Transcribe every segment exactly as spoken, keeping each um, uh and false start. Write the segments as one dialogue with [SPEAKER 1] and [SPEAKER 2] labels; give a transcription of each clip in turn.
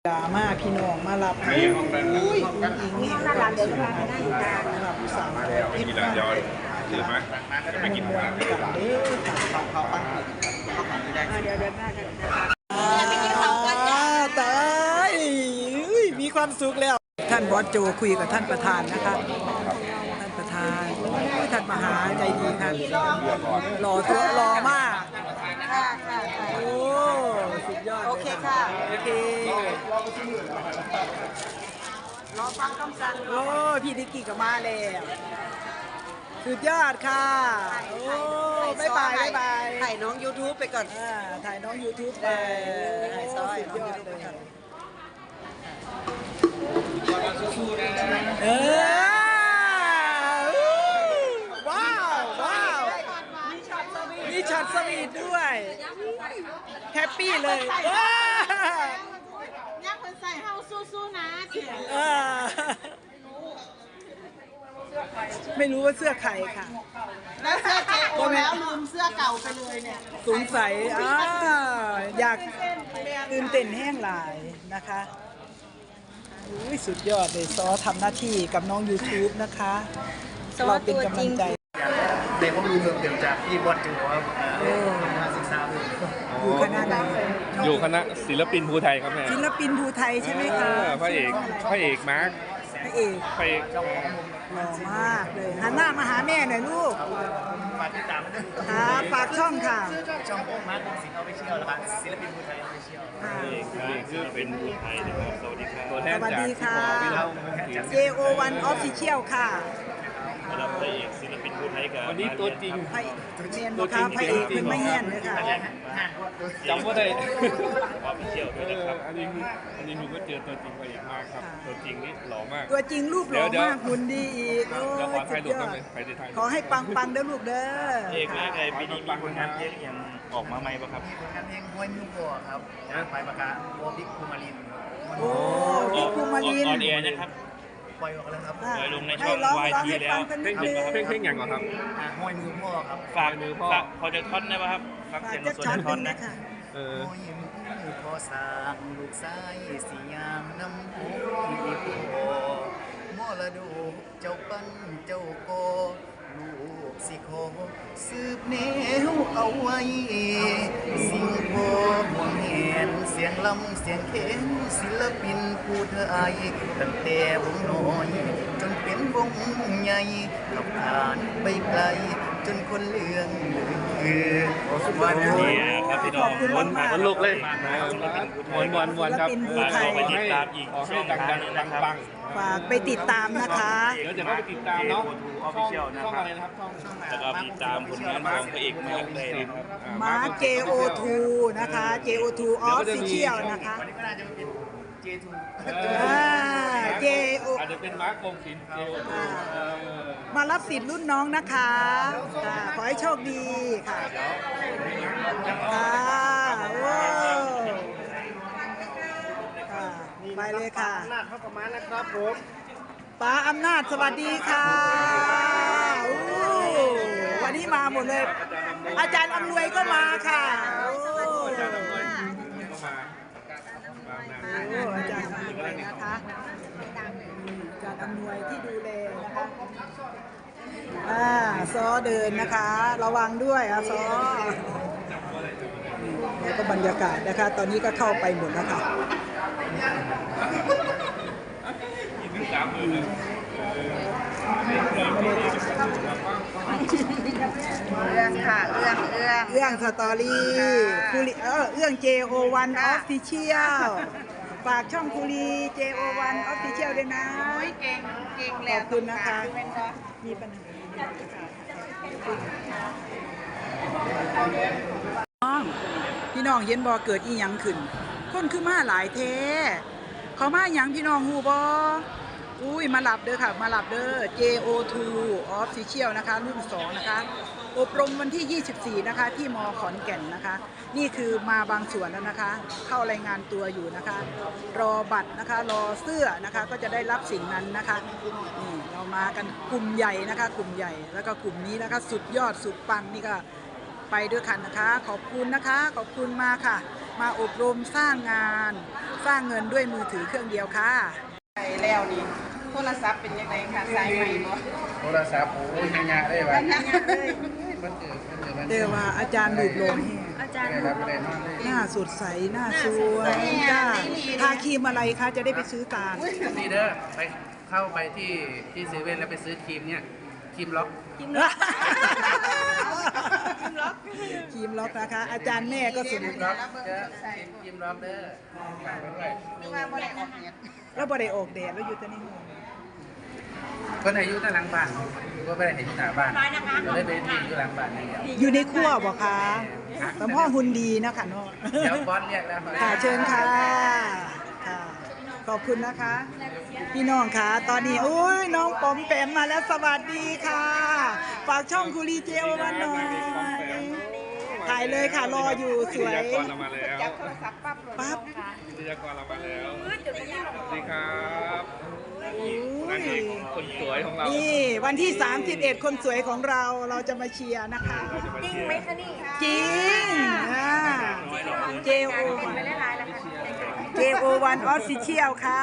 [SPEAKER 1] ดราม่าพี่น้องมารับอุ้ยอุ้ยอิงนี่ก็รับเดี๋ยวมาได้รับสาวมาแล้วกินแล้วย้อนถือไหมจะไปกินหมูกันเด้อเขาเขาปั้นเขาปั้นไม่ได้เดี๋ยวเดี๋ยวหน้ากันไปกินข้าวกันจ้าตายมีความสุขแล้วท่านบอสโจคุยกับท่านประธานนะคะท่านประธานท่านมหาใจดีค่ะหล่อตัวหล่อมากค่ะค่ะโอ้สุดยอดโอเคค่ะโอเครอฟังคำสั่งโอ้พี่ดิกกี้ก็มาแล้วสุดยอดค่ะโอ้บ๊ายบายบ๊ายบายถ่ายน้อง YouTube ไปก่อนอ่าถ่ายน้อง YouTube ไปถ่ายซอยน้อง YouTube ไปก่อนเออว้าวว้าวมีช็อตสวีทด้วยแฮปปี้เลยว้า
[SPEAKER 2] เนี่ยคนใส่เฮาสู้ๆนะเขียน
[SPEAKER 1] ไม่รู้ว่าเสื้อใครค่ะ
[SPEAKER 2] แล้วเสื้อเจโอแล้วลืมเสื้อเก่าไปเลยเนี่ย
[SPEAKER 1] สงสัยอ่าอยากตื่นเต้นแห้งหลายนะคะอุ้ยสุดยอดเลยซอทำหน้าที่กับน้อง YouTube นะคะเราเป็นกำลังใจ
[SPEAKER 3] เด็กผมรู้เรื่องจากที่บอสจูครับคณะศึกษา
[SPEAKER 1] อยู่คณะไหน
[SPEAKER 4] อยู่คณะศิลปินภูไทยครับแม่
[SPEAKER 1] ศิลปินภูไทยใช่ไหมคะ
[SPEAKER 4] พระเอกพระเอกมาร์ค
[SPEAKER 1] พระเอก
[SPEAKER 4] พระเอก
[SPEAKER 1] หล่อมากเลยหันหน้ามาหาแม่หน่อยลูก
[SPEAKER 3] ฝากติดตามด้วย
[SPEAKER 1] ค่ะฝากช่องค่ะ
[SPEAKER 3] ช่องโอ๊คมาร์คศิลป์ออฟฟิเชียลนะครับศิลปินภูไทยออฟฟิเชียล
[SPEAKER 4] พระเอกพระเอกคือเป็นภูไทยนะครับสวัสดีครับตัวแทนจาก
[SPEAKER 1] พี่ปอ เจ โอ วัน Official ค่ะ
[SPEAKER 4] รับพระเอกศิลปินภูไทยกันวันนี้ตัวจริง
[SPEAKER 1] พระเอกเมนบอกค่ะพระเอกเป็นไม่เงี้ยนเลยค่ะ
[SPEAKER 4] จำว่าได้ออฟฟิเชียลด้วยนะครับอันนี้อันนี้หนูก็เจอตัวจริงพระเอกมากครับตัวจริงนี่หล่อมาก
[SPEAKER 1] ตัวจริงรูปหล่อมากหุ่นดีอีกโอ้สุดยอดขอให้ปังปังเด้อลูกเด้อ
[SPEAKER 4] เอกเลยไงปีนี้มีผลงานเพลงยังออกมาไหมป่ะครับ
[SPEAKER 3] มีผลงานเพลงห้วยมิวโกครับจากไปประกาศโอบิ๊กคูมาริน
[SPEAKER 1] โอ้บิ๊กคูมาริน
[SPEAKER 4] ออนแอร์นะครับ
[SPEAKER 3] ปล่อยออกแล้วครับ
[SPEAKER 4] ปล่อยลงในช่อง วาย ที แล้วเพลงเพลงเพลงอย่างเหรอครับ
[SPEAKER 3] ห้วยมือพ่อครับ
[SPEAKER 4] ฝากมือพ่อพอจะท่อนได้ป่ะครับฟังเสียงส่วนท่อนนะ
[SPEAKER 3] เออห้วยมือพ่อสางลูกชายสียามน้ำหูที่พ่อมอละดูเจ้าปั้นเจ้าโกลูกสิขอสืบแนวเอาไว้สิ่งพ่อห่วงเห็นเสียงลำเสียงเข็นศิลปินผู้ไทยตั้งแต่วงน้อยจนเป็นวงใหญ่ขับผ่านไปไกลจนคนเลืองลือ
[SPEAKER 4] วันนี้ครับพี่น้องวันวันลูกเลยวันวันวันครับฝากไปติดตามอีกช่องทางนึงนะครับ
[SPEAKER 1] ฝากไปติดตามนะคะ
[SPEAKER 4] เดี๋ยวจะเข้าไปติดตามเนาะช่องอะไรนะครับช่องแล้วก็ติดตามผลงานของพระเอกมาร์คเลยนะครับ
[SPEAKER 1] มาร์ค เจ โอ ทู นะคะ เจ โอ ทู Official นะคะ
[SPEAKER 3] วันนี้ก็น่าจะเป็น เจ ทู
[SPEAKER 1] อ่า เจ โอ
[SPEAKER 4] อาจจะเป็นมาร์คกงศิลป์ เจ โอ ทู
[SPEAKER 1] มารับสิทธิ์รุ่นน้องนะคะขอให้โชคดีค่ะค่ะว้าวไปเลยค่ะ
[SPEAKER 3] อำนาจเข้าประมาณนะครับผม
[SPEAKER 1] ป้าอำนาจสวัสดีค่ะวันนี้มาหมดเลยอาจารย์อำนวยก็มาค่ะอาจารย์อำนวยก็มาอาจารย์อำนวยนะคะอาจารย์อำนวยที่ดูแลนะคะอ่าซอเดินนะคะระวังด้วยอ่ะซอแล้วก็บรรยากาศนะคะตอนนี้ก็เข้าไปหมดแล้วค่ะ
[SPEAKER 2] เรื่องค่ะเรื่องเรื่อง
[SPEAKER 1] เรื่องสตอรี่คูรีเออเรื่อง เจ โอ วัน Official ฝากช่องคูรี เจ โอ วัน Official ด้วยนะ
[SPEAKER 2] เก่งเก่งแล้ว
[SPEAKER 1] ขอบคุณนะคะมีปัญหาน้องพี่น้องเย็นบ่เกิดอีหยังขึ้นคนคือมาหลายเทเขามาหยังพี่น้องฮู้บ่อุ้ยมาหลับเด้อค่ะมาหลับเด้อ เจ โอ ทู Official นะคะรุ่นสองนะคะอบรมวันที่ยี่สิบสี่นะคะที่ม.ขอนแก่นนะคะนี่คือมาบางส่วนแล้วนะคะเข้ารายงานตัวอยู่นะคะรอบัตรนะคะรอเสื้อนะคะก็จะได้รับสิ่งนั้นนะคะนี่เรามากันกลุ่มใหญ่นะคะกลุ่มใหญ่แล้วก็กลุ่มนี้นะคะสุดยอดสุดปังนี่ก็ไปด้วยกันนะคะขอบคุณนะคะขอบคุณมาค่ะ
[SPEAKER 5] มาอบรมสร้างงาน สร้างเงินด้วยมือถือเครื่องเดียวค่ะ
[SPEAKER 2] ไปแล้วนี่โทรศัพท์เป็นยังไงคะสายใหม่บ่
[SPEAKER 3] โทรศัพท์โอ้ยงานได้ไหม
[SPEAKER 2] ยังยังเลย
[SPEAKER 3] มันเกิดมันเกิดมัน
[SPEAKER 5] เดี๋ยวว่าอาจารย์ดูดลม
[SPEAKER 2] อาจารย์
[SPEAKER 3] ได้รับได้นอนเลย
[SPEAKER 5] หน้าสดใสหน้าสวยจ้าทาครีมอะไรคะจะได้ไปซื้อตาม
[SPEAKER 6] นี่เด้อไปเข้าไปที่ที่เซเว่นแล้วไปซื้อครีมเนี่ยครีมล็อก
[SPEAKER 5] ครีมล็อกครีมล็อกนะคะ อาจารย์แม่ก็สมุน
[SPEAKER 6] ล็อกเด้อครีมล็อกเด้อฝากไว้ด้วย
[SPEAKER 2] นึกว่าบ่ได้ออกเน็ต
[SPEAKER 5] แล้วบ่ได้ออกแดดแล้วอยู่แต่ในห้อง
[SPEAKER 6] เพิ่นอายุตั้งหลังบ้านก็ไม่ได้เห็นหน้าบ้านก็เลยไปยืนอยู่หลังบ้านอย่างเดียว
[SPEAKER 5] อยู่ในครัวบอกคะสมพ่อหุ่นดีนะคะเนาะ
[SPEAKER 6] เดี๋ยวบอสเรียกแล้ว
[SPEAKER 5] ค่ะเชิญค่ะค่ะ ขอบคุณนะคะ พี่น้องค่ะ ตอนนี้โอ้ยน้องปอมแปมมาแล้วสวัสดีค่ะ ฝากช่องคุรีเจโอมาหน่อยถ่ายเลยค่ะรออยู่สวย
[SPEAKER 4] วิทยากรเรามาแล้ว
[SPEAKER 2] จับโทรศัพท์ปั๊บเลย
[SPEAKER 5] ปั๊บ
[SPEAKER 4] วิทยากรเรามาแล้วสวัสดีครับนางเอกคนสวยของเรา
[SPEAKER 5] นี่วันที่ สามสิบเอ็ด คนสวยของเราเราจะมาเชียร์นะคะ
[SPEAKER 4] เราจะมาเชียร์
[SPEAKER 5] จริงอ่า เจ โอ เจ โอ วัน Official ค่ะ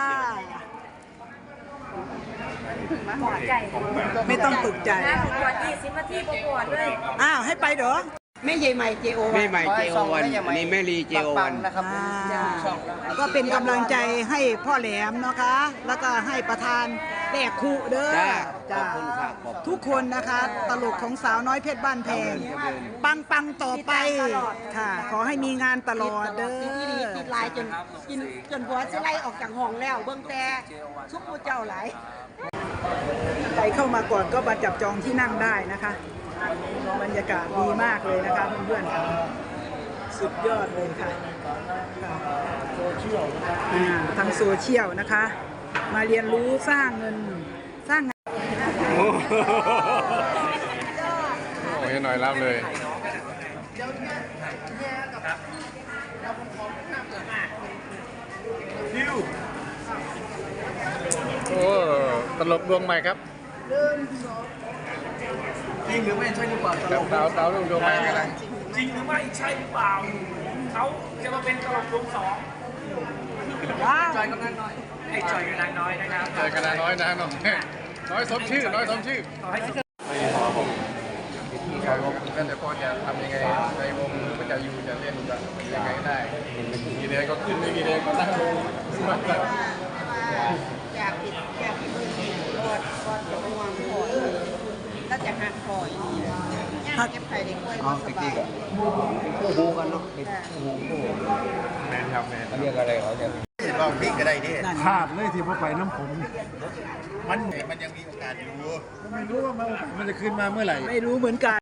[SPEAKER 5] ไม่ต้องตกใจ
[SPEAKER 7] ปวดยี่สิบนาทีปวดเลย
[SPEAKER 5] อ้าว ให้ไปเหรอ
[SPEAKER 2] แม่ใหญ่ใหม่ เจ โอ
[SPEAKER 8] แม่ใหม่เจโอวันนี่แม่ลีเจโอวัน
[SPEAKER 3] นะครับ
[SPEAKER 5] อ่าก็เป็นกำลังใจให้พ่อแหลมนะคะ แล้วก็ให้ประธานแดกคุเด้อ
[SPEAKER 8] จ้าข
[SPEAKER 5] จ้า
[SPEAKER 8] อบคุณค่ะขอบคุณ
[SPEAKER 5] ทุกคนนะคะ ตลกของสาวน้อยเพชรบ้านแพง ปังปังๆต่อไปค่ะ ขอให้มีงานตลอดเด้อ
[SPEAKER 2] ที่ดีติดลายจนกินจนบัวสิไล่ออกจากห้องแล้ว เบิ่งแต่ซุปผู้เจ้าหลาย
[SPEAKER 5] ใครเข้ามาก่อนก็มาจับจองที่นั่งได้นะคะบรรยากาศดีมากเลยนะคะเพื่อนๆค่ะสุดยอดเลยค่ะค่ะอ่าทางโซเชียลนะคะ มาเรียนรู้สร้างเงินสร้างงาน
[SPEAKER 4] โอ้ยหน่อยรับเลย โอ้ตลกดวงใหม่ครับ
[SPEAKER 3] จริงหรือไม่ใช่หรือเปล่าตลก
[SPEAKER 4] สาวสาวดวงดวงใหม่กันนะ
[SPEAKER 9] จริงหรือไม่ใช่หรือเปล่า เขาจะมาเป็นตลกดวงสอง
[SPEAKER 5] ว้าว
[SPEAKER 9] จอยกำลังน้อยไอ้จอยกำลังน้อยนะครับ
[SPEAKER 4] เจอกันนะน้อยนะน้อยน้อยสมชื่อ น้อยสมชื่อ
[SPEAKER 9] ขอให้
[SPEAKER 4] ที่เขาก็จะพอจะทำยังไงในวงก็จะอยู่จะเล่นจะยังไงก็ได้มีแรงก็ขึ้นไม่มีแรงก็นั่งลงสมัคร
[SPEAKER 2] อยากผิดอยากผิดมือผิดรอดรอดจะห่วงคอยแล้วจะหักคอยหักเก็บไข่ได้กล้วยสบาย
[SPEAKER 8] คู่หูกันเนาะคู่หูคู่หู
[SPEAKER 4] แมนครับแมน
[SPEAKER 8] เขาเรียกอะไรเขาจะ
[SPEAKER 3] ลองพลิกก็ได้ดิ
[SPEAKER 1] ขาดเลยที่พ่อไปน้ำผม
[SPEAKER 3] มันมันยังมีโอกาสอยู่
[SPEAKER 1] ไม่รู้ว่ามันมันจะขึ้นมาเมื่อไหร่
[SPEAKER 5] ไม่รู้เหมือนกัน